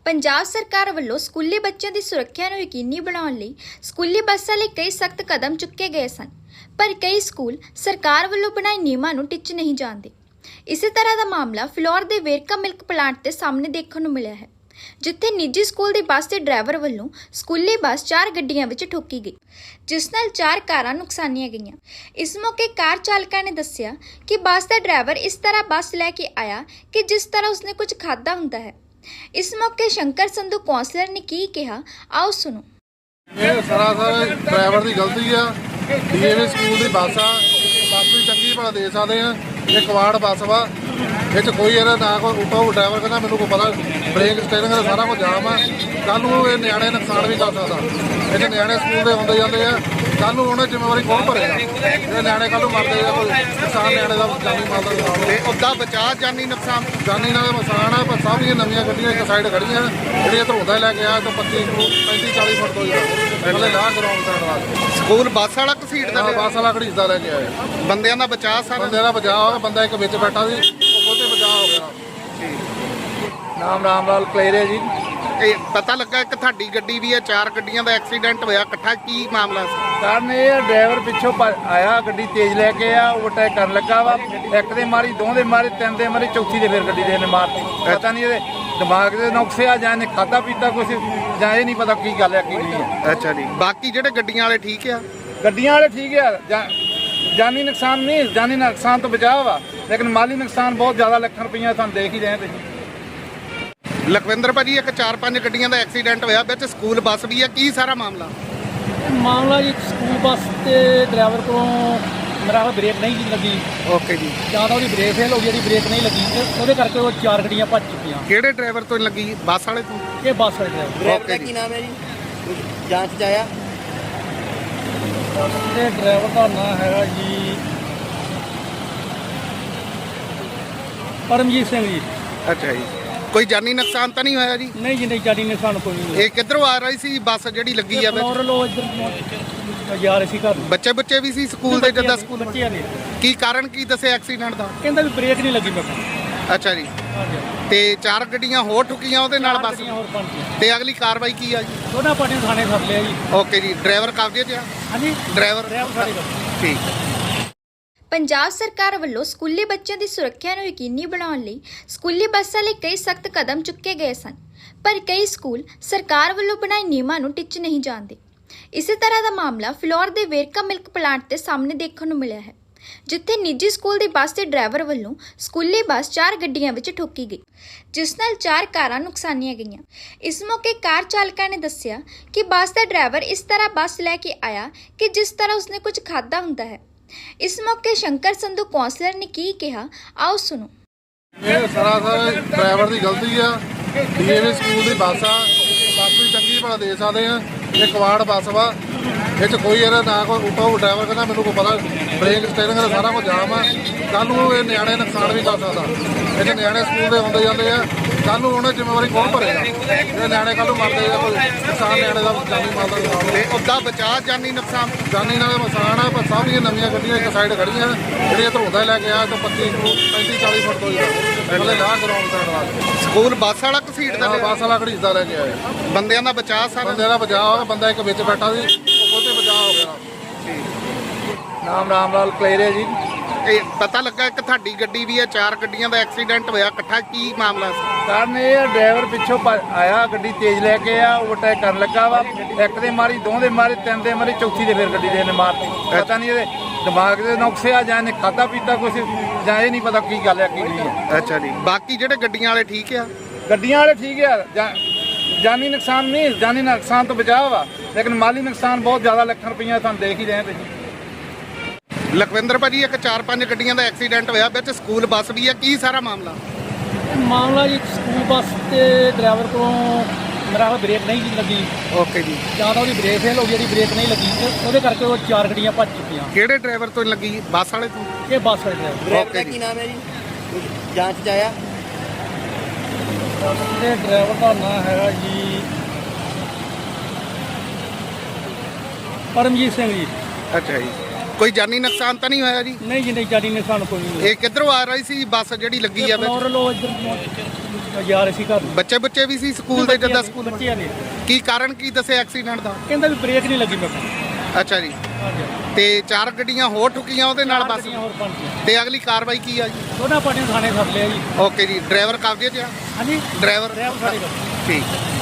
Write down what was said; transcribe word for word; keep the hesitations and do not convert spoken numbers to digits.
ਪੰਜਾਬ ਸਰਕਾਰ ਵੱਲੋਂ ਸਕੂਲੀ ਬੱਚਿਆਂ ਦੀ ਸੁਰੱਖਿਆ ਨੂੰ ਯਕੀਨੀ ਬਣਾਉਣ ਲਈ ਸਕੂਲੀ ਬੱਸਾਂ ਲਈ ਕਈ ਸਖਤ ਕਦਮ ਚੁੱਕੇ ਗਏ ਸਨ, ਪਰ ਕਈ ਸਕੂਲ ਸਰਕਾਰ ਵੱਲੋਂ ਬਣਾਏ ਨਿਯਮਾਂ ਨੂੰ ਟਿੱਚ ਨਹੀਂ ਜਾਂਦੇ। ਇਸੇ ਤਰ੍ਹਾਂ ਦਾ ਮਾਮਲਾ ਫਿਲੌਰ ਦੇ ਵੇਰਕਾ ਮਿਲਕ ਪਲਾਂਟ ਤੇ ਸਾਹਮਣੇ ਦੇਖਣ ਨੂੰ ਮਿਲਿਆ ਹੈ, ਜਿੱਥੇ ਨਿੱਜੀ ਸਕੂਲ ਦੀ ਬੱਸ ਦੇ ਡਰਾਈਵਰ ਵੱਲੋਂ ਸਕੂਲੀ ਬੱਸ ਚਾਰ ਗੱਡੀਆਂ ਵਿੱਚ ਠੋਕੀ ਗਈ, ਜਿਸ ਨਾਲ ਚਾਰ ਕਾਰਾਂ ਨੁਕਸਾਨੀਆਂ ਗਈਆਂ। ਇਸ ਮੌਕੇ ਕਾਰ ਚਾਲਕਾਂ ਨੇ ਦੱਸਿਆ ਕਿ ਬੱਸ ਦਾ ਡਰਾਈਵਰ ਇਸ ਤਰ੍ਹਾਂ ਬੱਸ ਲੈ ਕੇ ਆਇਆ ਕਿ ਜਿਸ ਤਰ੍ਹਾਂ ਉਸਨੇ ਕੁਝ ਖਾਧਾ ਹੁੰਦਾ ਹੈ। ਇਸ ਮੌਕੇ ਸ਼ੰਕਰ ਸੰਧੂ ਕੌਂਸਲਰ ਨੇ ਕੀ ਕਿਹਾ, ਆਓ ਸੁਣੋ। ਇਹ ਸਰਾਸਰ ਡਰਾਈਵਰ ਦੀ ਗਲਤੀ ਆ। ਡੀਏਵੀ ਸਕੂਲ ਦੀ ਬੱਸ ਆ, ਬੱਸ ਵੀ ਚੰਗੀ ਭਲਾ ਦੇ ਸਕਦੇ ਆ। ਇਹ ਕਵਾੜ ਬੱਸ ਵਾ, ਇਹ 'ਚ ਕੋਈ ਇਹਦਾ ਨਾ ਕੋਈ ਉਟੋ ਡਰਾਈਵਰ ਕਹਿੰਦਾ ਮੈਨੂੰ ਕੋਈ ਪਤਾ ਬ੍ਰੇਕ ਸਟੀਅਰਿੰਗ ਦਾ ਸਾਰਾ ਕੁਝ ਜਾਮ ਆ। ਕੱਲ੍ਹ ਨੂੰ ਇਹ ਨਿਆਣੇ ਨੁਕਸਾਨ ਵੀ ਕਰ ਸਕਦਾ। ਇਹ ਨਿਆਣੇ ਸਕੂਲ ਦੇ ਆਉਂਦੇ ਜਾਂਦੇ ਆ, ਕੱਲ੍ਹ ਨੂੰ ਉਹਨਾਂ ਜ਼ਿੰਮੇਵਾਰੀ ਕੌਣ ਭਰੇਗਾ? ਇਹ ਨਿਆਣੇ ਕੱਲ੍ਹ ਨੂੰ ਮਰਦੇ ਆ, ਕੋਈ ਨੁਕਸਾਨ ਨਿਆਣੇ ਦਾ ਜਾਨੀ ਮਾਲ ਦਾ ਨੁਕਸਾਨ। ਤੇ ਉੱਦਾਂ ਬਚਾ ਜਾਨੀ ਨੁਕਸਾਨ ਜਾਨੀ ਨਾਲ ਨੁਕਸਾਨ ਆ, ਪਰ ਸਭ ਦੀਆਂ ਨਵੀਆਂ ਗੱਡੀਆਂ ਇੱਕ ਸਾਈਡ ਖੜੀਆਂ ਜਿਹੜੀਆਂ ਧਰੋਦਾ ਲੈ ਕੇ ਆਇਆ ਤੋਂ ਪੱਚੀ ਪੈਂਤੀ ਚਾਲੀ ਫੁੱਟ ਤੋਂ ਹੀ ਪਹਿਲੇ ਲਾਹ ਗਰਾਉਂਡ ਸਾਈਡ ਵਾਸਤੇ ਸਕੂਲ ਬੱਸ ਵਾਲਾ ਘਸੀਟ ਦਾ ਬੱਸ ਵਾਲਾ ਘੜੀਸਦਾ ਲੈ ਕੇ ਆਇਆ। ਬੰਦਿਆਂ ਦਾ ਬਚਾ ਸਾਰਾ ਬੰਦੇ ਦਾ ਬਚਾਅ ਹੋ ਗਿਆ, ਬੰਦਾ ਇੱਕ ਵਿੱਚ ਬੈਠਾ ਸੀ, ਉਹ ਉਹਦੇ ਬਚਾਅ ਹੋ ਗਿਆ। ਨਾਮ ਰਾਮ ਲਾਲ ਕਲੇਰੇ ਜੀ। ਇਹ ਪਤਾ ਲੱਗਾ ਕਿ ਤੁਹਾਡੀ ਗੱਡੀ ਵੀ ਹੈ, ਚਾਰ ਗੱਡੀਆਂ ਦਾ ਐਕਸੀਡੈਂਟ ਹੋਇਆ ਇਕੱਠਾ, ਕੀ ਮਾਮਲਾ ਸੀ? ਕਾਰਨ ਇਹ ਆ, ਡਰਾਈਵਰ ਪਿੱਛੋਂ ਭੱਜ ਆਇਆ, ਗੱਡੀ ਤੇਜ਼ ਲੈ ਕੇ ਆ, ਓਵਰਟੇਕ ਕਰਨ ਲੱਗਾ ਵਾ। ਇੱਕ ਦੇ ਮਾਰੀ, ਦੋ ਦੇ ਮਾਰੀ, ਤਿੰਨ ਦੇ ਮਾਰੀ, ਚੌਥੀ ਦੇ ਫਿਰ ਗੱਡੀ ਦੇ ਨੇ ਮਾਰਤੀ। ਪਤਾ ਨਹੀਂ ਇਹਦੇ ਦਿਮਾਗ ਦੇ ਨੁਕਸੇ ਆ ਜਾਂ ਇਹਨੇ ਖਾਧਾ ਪੀਤਾ ਕੁਛ, ਜਾਂ ਇਹ ਨਹੀਂ ਪਤਾ ਕੀ ਗੱਲ ਹੈ ਕੀ ਨਹੀਂ ਹੈ। ਅੱਛਾ ਜੀ, ਬਾਕੀ ਜਿਹੜੇ ਗੱਡੀਆਂ ਵਾਲੇ ਠੀਕ ਆ? ਗੱਡੀਆਂ ਵਾਲੇ ਠੀਕ ਆ, ਜਾਂ ਜਾਨੀ ਨੁਕਸਾਨ ਨਹੀਂ, ਜਾਨੀ ਨੁਕਸਾਨ ਤੋਂ ਬਚਾਅ ਵਾ, ਲੇਕਿਨ ਮਾਲੀ ਨੁਕਸਾਨ ਬਹੁਤ ਜ਼ਿਆਦਾ ਲੱਖਾਂ ਰੁਪਈਆ ਤੁਹਾਨੂੰ ਦੇਖ ਹੀ ਰਹੇ ਤੁਸੀਂ। ਲਖਵਿੰਦਰ ਭਾਜੀ, ਇੱਕ ਚਾਰ ਪੰਜ ਗੱਡੀਆਂ ਦਾ ਐਕਸੀਡੈਂਟ ਹੋਇਆ, ਵਿੱਚ ਸਕੂਲ ਬੱਸ ਵੀ ਹੈ, ਕੀ ਸਾਰਾ ਮਾਮਲਾ? ਮਾਮਲਾ ਜੀ ਸਕੂਲ ਬੱਸ ਤੇ ਡਰਾਈਵਰ ਕੋਲੋਂ ਮੇਰਾ ਖਿਆਲ ਬ੍ਰੇਕ ਨਹੀਂ ਲੱਗੀ। ਓਕੇ ਜੀ। ਜਾਂ ਤਾਂ ਉਹਦੀ ਬ੍ਰੇਕ ਫੇਲ ਹੋ ਗਈ, ਉਹਦੀ ਬ੍ਰੇਕ ਨਹੀਂ ਲੱਗੀ ਤੇ ਉਹਦੇ ਕਰਕੇ ਉਹ ਚਾਰ ਗੱਡੀਆਂ ਭੱਜ ਚੁੱਕੀਆਂ। ਕਿਹੜੇ ਡਰਾਈਵਰ ਤੋਂ ਲੱਗੀ? ਬੱਸ ਵਾਲੇ ਤੋਂ? ਇਹ ਬੱਸ ਵਾਲੇ ਡਰਾਈਵਰ ਡਰਾਈਵਰ ਦਾ ਕੀ ਨਾਮ ਹੈ ਜੀ? ਜਾਂਚ 'ਚ ਆਇਆ? ਤੇ ਡਰਾਈਵਰ ਦਾ ਨਾਮ ਹੈਗਾ ਜੀ ਪਰਮਜੀਤ ਸਿੰਘ ਜੀ। ਅੱਛਾ ਜੀ, ਕੋਈ ਜਾਨੀ ਨੁਕਸਾਨ ਤਾਂ ਨਹੀਂ ਹੋਇਆ ਜੀ? ਨਹੀਂ ਜੀ, ਨਹੀਂ ਜਾਨੀ ਨੇ ਸਾਨੂੰ ਕੋਈ ਨਹੀਂ। ਇਹ ਕਿੱਧਰੋਂ ਆ ਰਹੀ ਸੀ ਬੱਸ ਜਿਹੜੀ ਲੱਗੀ ਆ ਵਿੱਚ? ਫਲੋਰ ਲੋ ਇੱਧਰ ਜਾ ਰਹੇ ਸੀ ਘਰ ਨੂੰ। ਬੱਚੇ ਬੱਚੇ ਵੀ ਸੀ ਸਕੂਲ ਦੇ? ਜਿੱਦਾਂ ਸਕੂਲ ਬੱਚਿਆਂ ਦੇ ਕੀ ਕਾਰਨ ਕੀ ਦੱਸਿਆ ਐਕਸੀਡੈਂਟ ਦਾ? ਕਹਿੰਦਾ ਵੀ ਬ੍ਰੇਕ ਨਹੀਂ ਲੱਗੀ। ਮੈਂ ਕਿਹਾ ਅੱਛਾ ਜੀ, ਹਾਂਜੀ, ਤੇ ਚਾਰ ਗੱਡੀਆਂ ਹੋਰ ਠੁਕੀਆਂ ਉਹਦੇ ਨਾਲ ਬੱਸ? ਗੱਡੀਆਂ ਹੋਰ ਬਣ ਗਈਆਂ। ਤੇ ਅਗਲੀ ਕਾਰਵਾਈ ਕੀ ਆ ਜੀ? ਦੋਨਾਂ ਪਾਰਟੀਆਂ ਨੂੰ ਥਾਣੇ ਸੱਦ ਲਿਆ ਜੀ। ਓਕੇ ਜੀ, ਡਰਾਈਵਰ ਕਬਜ਼ੇ 'ਚ ਆ? ਹਾਂਜੀ, ਡਰਾਈਵਰ ਡਰਾਈਵਰ ਸਾਡੇ ਕੋਲ। ਠੀਕ। ਪੰਜਾਬ ਸਰਕਾਰ ਵੱਲੋਂ ਸਕੂਲੀ ਬੱਚਿਆਂ ਦੀ ਸੁਰੱਖਿਆ ਨੂੰ ਯਕੀਨੀ ਬਣਾਉਣ ਲਈ ਸਕੂਲੀ ਬੱਸਾਂ ਲਈ ਕਈ ਸਖਤ ਕਦਮ ਚੁੱਕੇ ਗਏ ਸਨ, ਪਰ ਕਈ ਸਕੂਲ ਸਰਕਾਰ ਵੱਲੋਂ ਬਣਾਏ ਨਿਯਮਾਂ ਨੂੰ ਟਿੱਚ ਨਹੀਂ ਜਾਂਦੇ। ਇਸੇ ਤਰ੍ਹਾਂ ਦਾ ਮਾਮਲਾ ਫਿਲੌਰ ਦੇ ਵੇਰਕਾ ਮਿਲਕ ਪਲਾਂਟ ਤੇ ਸਾਹਮਣੇ ਦੇਖਣ ਨੂੰ ਮਿਲਿਆ ਹੈ, ਜਿੱਥੇ ਨਿੱਜੀ ਸਕੂਲ ਦੀ ਬੱਸ ਦੇ ਡਰਾਈਵਰ ਵੱਲੋਂ ਸਕੂਲੀ ਬੱਸ ਚਾਰ ਗੱਡੀਆਂ ਵਿੱਚ ਠੋਕੀ ਗਈ, ਜਿਸ ਨਾਲ ਚਾਰ ਕਾਰਾਂ ਨੁਕਸਾਨੀਆਂ ਗਈਆਂ। ਇਸ ਮੌਕੇ ਕਾਰ ਚਾਲਕਾਂ ਨੇ ਦੱਸਿਆ ਕਿ ਬੱਸ ਦਾ ਡਰਾਈਵਰ ਇਸ ਤਰ੍ਹਾਂ ਬੱਸ ਲੈ ਕੇ ਆਇਆ ਕਿ ਜਿਸ ਤਰ੍ਹਾਂ ਉਸਨੇ ਕੁਝ ਖਾਧਾ ਹੁੰਦਾ ਹੈ। ਇਸ ਮੌਕੇ ਸ਼ੰਕਰ ਸੰਧੂ ਕੌਂਸਲਰ ਨੇ ਕੀ ਕਿਹਾ, ਆਓ ਸੁਣੋ। ਇਹ ਸਰਾਸਰ ਡਰਾਈਵਰ ਦੀ ਗਲਤੀ ਆ। ਡੀਏਵੀ ਸਕੂਲ ਦੀ ਬੱਸ ਆ, ਬੱਸ ਵੀ ਚੰਗੀ ਭਲਾ ਦੇ ਸਕਦੇ ਆ। ਇਹ ਕਵਾੜ ਬੱਸ ਵਾ, ਇਹ 'ਚ ਕੋਈ ਇਹਦਾ ਨਾ ਕੋਈ ਉਟੋ ਡਰਾਈਵਰ ਕਹਿੰਦਾ ਮੈਨੂੰ ਕੋਈ ਪਤਾ ਬ੍ਰੇਕ ਸਟੀਅਰਿੰਗ ਦਾ ਸਾਰਾ ਕੁਝ ਜਾਮ ਆ। ਕੱਲ੍ਹ ਨੂੰ ਇਹ ਨਿਆਣੇ ਨੁਕਸਾਨ ਵੀ ਕਰ ਸਕਦਾ। ਇਹ 'ਚ ਨਿਆਣੇ ਸਕੂਲ ਦੇ ਆਉਂਦੇ ਜਾਂਦੇ ਆ, ਕੱਲ੍ਹ ਨੂੰ ਉਹਨਾਂ ਜ਼ਿੰਮੇਵਾਰੀ ਕੌਣ ਭਰੇਗਾ? ਇਹ ਨਿਆਣੇ ਕੱਲ੍ਹ ਨੂੰ ਮਰਦੇ ਆ, ਕੋਈ ਨੁਕਸਾਨ ਨਿਆਣੇ ਦਾ ਜਾਨੀ ਮਾਲ ਦਾ ਨੁਕਸਾਨ। ਤੇ ਉੱਦਾਂ ਬਚਾ ਜਾਨੀ ਨੁਕਸਾਨ ਜਾਨੀ ਨਾਲ ਨੁਕਸਾਨ ਆ, ਪਰ ਸਭ ਦੀਆਂ ਨਵੀਆਂ ਗੱਡੀਆਂ ਇੱਕ ਸਾਈਡ ਖੜੀਆਂ ਜਿਹੜੀਆਂ ਧਰੋਦਾ ਲੈ ਕੇ ਆਇਆ ਤੋਂ ਪੱਚੀ ਪੈਂਤੀ ਚਾਲੀ ਫੁੱਟ ਤੋਂ ਹੀ ਪਹਿਲੇ ਲਾਹ ਗਰਾਉਂਡ ਸਾਈਡ ਵਾਸਤੇ। ਸਕੂਲ ਬੱਸ ਵਾਲਾ ਘਸੀਟ ਦਾ ਬੱਸ ਵਾਲਾ ਘੜੀਸਦਾ ਲੈ ਕੇ ਆਇਆ। ਬੰਦਿਆਂ ਦਾ ਬਚਾ ਸਾਰਾ ਬੰਦੇ ਦਾ ਬਚਾਅ ਹੋ ਗਿਆ, ਬੰਦਾ ਇੱਕ ਵਿੱਚ ਬੈਠਾ ਸੀ, ਉਹ ਉਹਦੇ ਬਚਾਅ ਹੋ ਗਿਆ। ਨਾਮ ਰਾਮ ਲਾਲ ਕਲੇਰੇ ਜੀ। ਇਹ ਪਤਾ ਲੱਗਾ ਕਿ ਤੁਹਾਡੀ ਗੱਡੀ ਵੀ ਹੈ, ਚਾਰ ਗੱਡੀਆਂ ਦਾ ਐਕਸੀਡੈਂਟ ਹੋਇਆ ਇਕੱਠਾ, ਕੀ ਮਾਮਲਾ ਸੀ? ਕਾਰਨ ਇਹ ਆ, ਡਰਾਈਵਰ ਪਿੱਛੋਂ ਭੱਜ ਆਇਆ, ਗੱਡੀ ਤੇਜ਼ ਲੈ ਕੇ ਆ, ਓਵਰਟੇਕ ਕਰਨ ਲੱਗਾ ਵਾ। ਇੱਕ ਦੇ ਮਾਰੀ, ਦੋ ਦੇ ਮਾਰੀ, ਤਿੰਨ ਦੇ ਮਾਰੀ, ਚੌਥੀ ਦੇ ਫਿਰ ਗੱਡੀ ਦੇ ਨੇ ਮਾਰਤੀ। ਪਤਾ ਨਹੀਂ ਇਹਦੇ ਦਿਮਾਗ ਦੇ ਨੁਕਸੇ ਆ ਜਾਂ ਇਹਨੇ ਖਾਧਾ ਪੀਤਾ ਕੁਛ, ਜਾਂ ਇਹ ਨਹੀਂ ਪਤਾ ਕੀ ਗੱਲ ਹੈ ਕੀ ਨਹੀਂ ਹੈ। ਅੱਛਾ ਜੀ, ਬਾਕੀ ਜਿਹੜੇ ਗੱਡੀਆਂ ਵਾਲੇ ਠੀਕ ਆ? ਗੱਡੀਆਂ ਵਾਲੇ ਠੀਕ ਆ, ਜਾਂ ਜਾਨੀ ਨੁਕਸਾਨ ਨਹੀਂ, ਜਾਨੀ ਨੁਕਸਾਨ ਤੋਂ ਬਚਾਅ ਵਾ, ਲੇਕਿਨ ਮਾਲੀ ਨੁਕਸਾਨ ਬਹੁਤ ਜ਼ਿਆਦਾ ਲੱਖਾਂ ਰੁਪਈਆ ਤੁਹਾਨੂੰ ਦੇਖ ਹੀ ਰਹੇ ਤੁਸੀਂ। ਲਖਵਿੰਦਰ ਭਾਜੀ, ਇੱਕ ਚਾਰ ਪੰਜ ਗੱਡੀਆਂ ਦਾ ਐਕਸੀਡੈਂਟ ਹੋਇਆ, ਵਿੱਚ ਸਕੂਲ ਬੱਸ ਵੀ ਹੈ, ਕੀ ਸਾਰਾ ਮਾਮਲਾ? ਮਾਮਲਾ ਜੀ ਸਕੂਲ ਬੱਸ ਤੇ ਡਰਾਈਵਰ ਕੋਲੋਂ ਮੇਰਾ ਖਿਆਲ ਬ੍ਰੇਕ ਨਹੀਂ ਲੱਗੀ। ਓਕੇ ਜੀ। ਜਾਂ ਤਾਂ ਉਹਦੀ ਬ੍ਰੇਕ ਫੇਲ ਹੋ ਗਈ, ਉਹਦੀ ਬ੍ਰੇਕ ਨਹੀਂ ਲੱਗੀ ਤੇ ਉਹਦੇ ਕਰਕੇ ਉਹ ਚਾਰ ਗੱਡੀਆਂ ਭੱਜ ਚੁੱਕੀਆਂ। ਕਿਹੜੇ ਡਰਾਈਵਰ ਤੋਂ ਲੱਗੀ? ਬੱਸ ਵਾਲੇ ਤੋਂ? ਇਹ ਬੱਸ ਵਾਲੇ ਡਰਾਈਵਰ ਡਰਾਈਵਰ ਦਾ ਓਕੇ ਜੀ। ਕੀ ਨਾਮ ਹੈ ਜੀ? ਜਾਂਚ 'ਚ ਆਇਆ? ਤੇ ਡਰਾਈਵਰ ਦਾ ਨਾਮ ਹੈਗਾ ਜੀ ਪਰਮਜੀਤ ਸਿੰਘ ਜੀ। ਅੱਛਾ ਜੀ, ਕੋਈ ਜਾਨੀ ਨੁਕਸਾਨ ਤਾਂ ਨਹੀਂ ਹੋਇਆ ਜੀ? ਨਹੀਂ ਜੀ ਨਹੀਂ ਜਾਨੀ ਨੁਕਸਾਨ ਕੋਈ ਨਹੀਂ ਇਹ ਕਿੱਧਰੋਂ ਆ ਰਹੀ ਸੀ ਬੱਸ ਜਿਹੜੀ ਲੱਗੀ ਆ ਵਿੱਚ? ਫਲੋਰ ਲੋ ਇੱਧਰ ਜਾ ਰਹੇ ਸੀ ਘਰ ਨੂੰ। ਬੱਚੇ ਬੱਚੇ ਵੀ ਸੀ ਸਕੂਲ ਦੇ ਜਿੱਦਾਂ ਸਕੂਲ ਬੱਚਿਆਂ ਨੇ ਕੀ ਕਾਰਨ ਕੀ ਦੱਸਿਆ ਐਕਸੀਡੈਂਟ ਦਾ? ਕਹਿੰਦਾ ਵੀ ਬ੍ਰੇਕ ਨਹੀਂ ਲੱਗੀ ਮੈਂ ਕਿਹਾ। ਅੱਛਾ ਜੀ, ਹਾਂਜੀ ਤੇ ਚਾਰ ਗੱਡੀਆਂ ਹੋਰ ਠੁਕੀਆਂ ਉਹਦੇ ਨਾਲ ਬੱਸ, ਹੋਰ ਪੰਜ ਤੇ ਅਗਲੀ ਕਾਰਵਾਈ ਕੀ ਆ ਜੀ? ਦੋਨਾਂ ਪਾਰਟੀਆਂ ਥਾਣੇ ਸੱਦ ਲਿਆ ਜੀ। ਓਕੇ ਜੀ, ਡਰਾਈਵਰ ਕਬਜ਼ੇ 'ਚ ਆ? ਹਾਂਜੀ ਡਰਾਈਵਰ ਡਰਾਈਵਰ ਸਾਡੇ ਕੋਲ ਠੀਕ।